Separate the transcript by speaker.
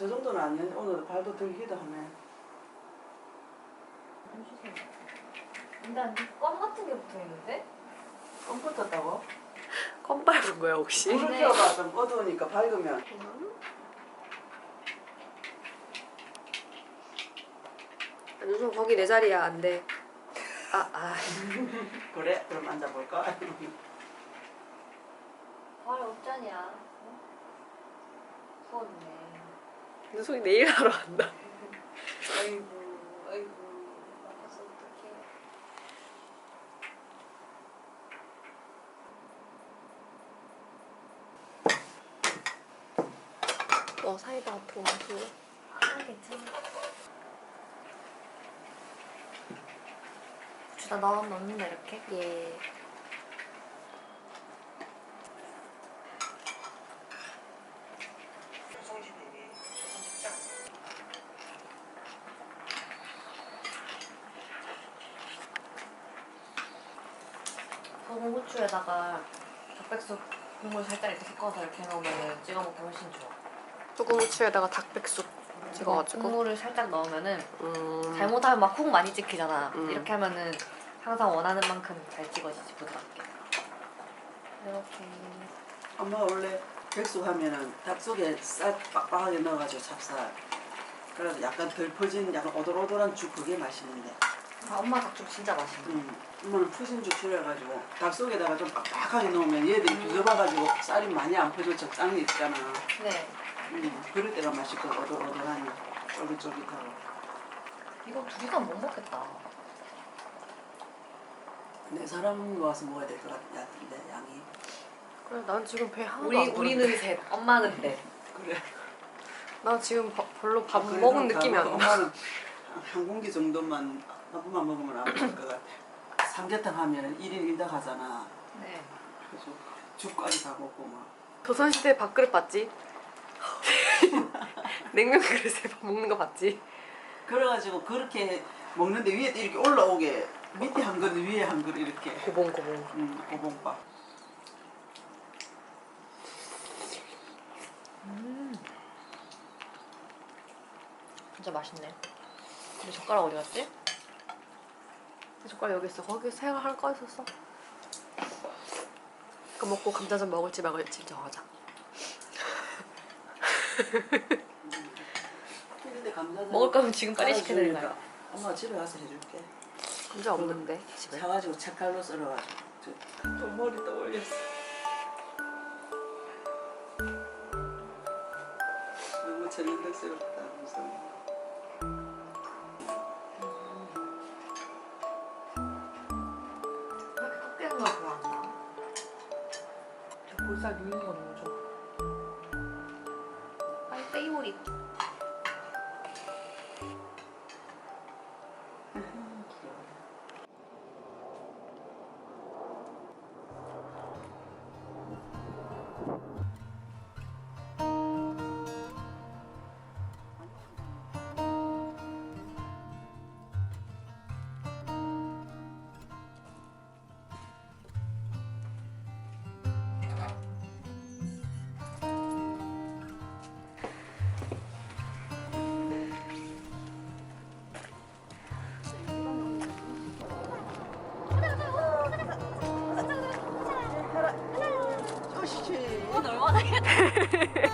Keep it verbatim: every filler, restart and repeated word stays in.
Speaker 1: 저 정도는 아니야. 오늘 발도 들기도 하네.
Speaker 2: 근데 안 껌 같은 게 붙어 있는데?
Speaker 1: 껌 붙었다고?
Speaker 3: 껌 밟은 거야 혹시?
Speaker 1: 불을
Speaker 2: 네.
Speaker 1: 켜봐. 좀 어두우니까 밝으면.
Speaker 3: 요즘 거기 내 자리야 안 돼. 아 아.
Speaker 1: 그래? 그럼 앉아볼까?
Speaker 2: 발 없잖냐? 부었네.
Speaker 3: 누송이 내일 하러 간다.
Speaker 2: 아이고, 아이고, 아파서 어떡해.
Speaker 3: 어 사이다 토마토.
Speaker 2: 아, 괜찮아. 고추다 넣어 넣는다 이렇게?
Speaker 3: 예.
Speaker 2: 소금 후추에다가 닭백숙 국물 살짝 이렇게 섞어서 이렇게 넣으면 찍어 먹기 훨씬 좋아.
Speaker 3: 소금 후추에다가 닭백숙 찍어가지고.
Speaker 2: 국물을 살짝 넣으면은
Speaker 3: 음.
Speaker 2: 잘못하면 막 콩 많이 찍히잖아.
Speaker 3: 음.
Speaker 2: 이렇게 하면은 항상 원하는 만큼 잘 찍어지지 부드럽게. 이렇게.
Speaker 1: 엄마 원래 백숙 하면은 닭 속에 쌀 빡빡하게 넣어가지고 찹쌀. 그래서 약간 덜 퍼진 약간 오돌오돌한 죽 그게 맛있는데.
Speaker 2: 아, 엄마 닭죽 진짜 맛있네.
Speaker 1: 음, 엄마는 푸신 죽 줄여가지고 닭 속에다가 좀 빡빡하게 넣으면 얘들이 비벼봐가지고 쌀이 많이 안 퍼져 적당히 있잖아.
Speaker 2: 네.
Speaker 1: 음, 그럴 때가 맛있고 오돌오돌하니 쫄깃쫄깃하고.
Speaker 2: 이거 둘이서 못 먹겠다.
Speaker 1: 네 사람 와서 먹어야 될 것 같은데 양이.
Speaker 3: 그래 난 지금 배 하나도
Speaker 2: 우리
Speaker 3: 안 부른데.
Speaker 2: 우리는 셋, 엄마는 넷.
Speaker 1: 그래.
Speaker 3: 나 지금 바, 별로 밥
Speaker 1: 그래,
Speaker 3: 먹은
Speaker 1: 그럼
Speaker 3: 느낌이 안 나.
Speaker 1: 엄마는 한- 한 공기 정도만 한 번만 먹으면 안 먹을 것 같아. 삼계탕 하면 일 인 일 닭 하잖아.
Speaker 2: 네.
Speaker 1: 그래서 죽까지 다 먹고 막.
Speaker 3: 조선시대 밥그릇 봤지? 냉면 그릇에 밥 먹는 거 봤지?
Speaker 1: 그래가지고 그렇게 먹는데 위에 이렇게 올라오게 밑에 한 그릇 위에 한 그릇 이렇게.
Speaker 3: 고봉고봉.
Speaker 1: 음, 고봉밥.
Speaker 2: 음. 진짜 맛있네. 근데 젓가락 어디 갔지?
Speaker 3: 젓가락 여기 있어. 거기 새가 하나 꺼 있었어. 그거 먹고 감자전 먹을지 말을지 정하자.
Speaker 1: 근데 감자전
Speaker 2: 먹을 거면 지금 빨리 시켜드리는 거야.
Speaker 1: 엄마가 집에 가서 해줄게.
Speaker 3: 감자 없는데 집에.
Speaker 1: 사가지고 채칼로 썰어가지고. 좀 머리 떠올렸어. 너무 전형적스럽다 무슨.
Speaker 2: 왜 이렇게 꺾이는 걸 좋아한다?
Speaker 3: 저 볼살 누이는 거 너무 좋아.
Speaker 2: 아이 페이보릿.
Speaker 1: 쪼시.
Speaker 2: 오늘 얼마나